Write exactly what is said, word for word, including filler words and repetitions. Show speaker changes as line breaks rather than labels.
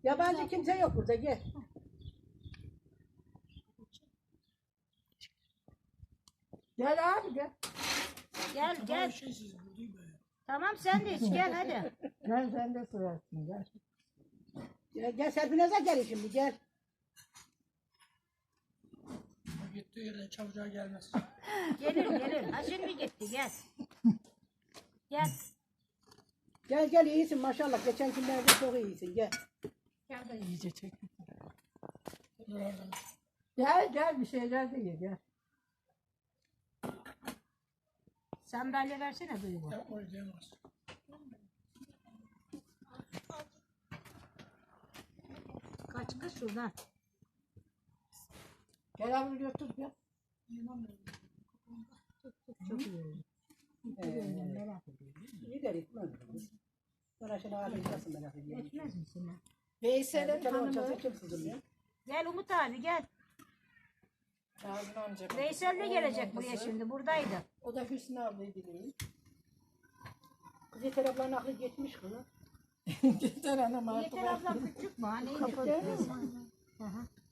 Yabancı kimse yok burada, gel. Gel abi gel.
Gel gel. Tamam sen de iç gel hadi.
Gel sen de sırarsın gel. Gel, gel Serpinaz'a gel şimdi gel.
Gittiği yerden çabucağa gelmez.
Gelir gelir. Ha şimdi gitti gel. Gel.
Gel gel iyisin maşallah. Geçen günlerde çok iyisin gel.
Gel de iyice çek. Dur oradan.
Gel gel bir şeyler de ye gel.
Sandalye versene Duygu.
Ya o diyemez.
Kaç kız şuradan.
Gel abi götür gel.
Çok iyi.
Merak ediyorum. İyi de gitmez. Sonra şimdi abi nasıl merak ediyorum.
Etmez misin lan?
Veysel'in hanımı. Kim sızılıyor?
Gel Umut abi gel.
Kazım amca.
Veysel de gelecek buraya şimdi. Buradaydı.
O da Hüsnü ablaydı değil. Kız Yeter ablanın aklı geçmiş kızı. Yeter anam artık.
Yeter ablam küçük mü? Hani
Kapattı.
Hı hı.